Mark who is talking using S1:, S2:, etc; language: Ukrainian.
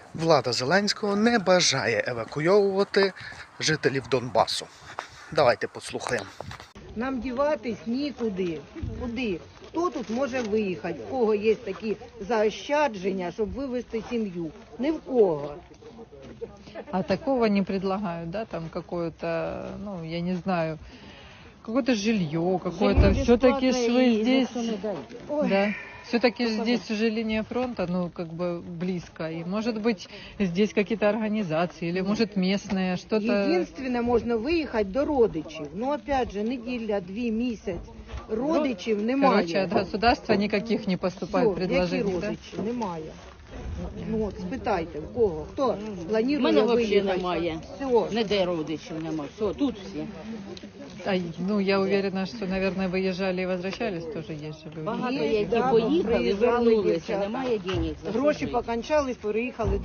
S1: Влада Зеленського не бажає евакуйовувати жителів Донбасу. Давайте послухаємо.
S2: Нам діватись нікуди. Куди? Хто тут може виїхати? В кого є такі заощадження, щоб вивезти сім'ю? Ні в кого.
S3: А такого не предлагают, да, там какое-то, ну, я не знаю, какое-то жилье, какое-то, все-таки вы здесь, да, все-таки здесь уже линия фронта, ну, как бы близко, и может быть здесь какие-то организации, или может местные, что-то...
S2: Єдине, можна виїхати до родичів. Ну, опять же, неділя, 2 місяць. Родичів немає.
S3: Короче, от государства никаких не поступает
S2: Все,
S3: предложений,
S2: які
S3: да?
S2: родичі? Немає. Ну, от, спитайте, в кого? Хто планує
S4: Мене взагалі
S2: виїхати?
S4: немає.
S2: Все.
S4: Ніде родичів немає. Все, тут всі.
S3: Ну, я уверена, что, наверное, выезжали и возвращались, тоже есть же люди.
S4: Багато
S2: Є,
S4: які
S2: да,
S4: поїхали,
S2: приїжджали
S4: вернулися,
S2: дівчата.
S4: немає денег. за
S2: Гроші
S4: що жити.
S2: покончались, переїхали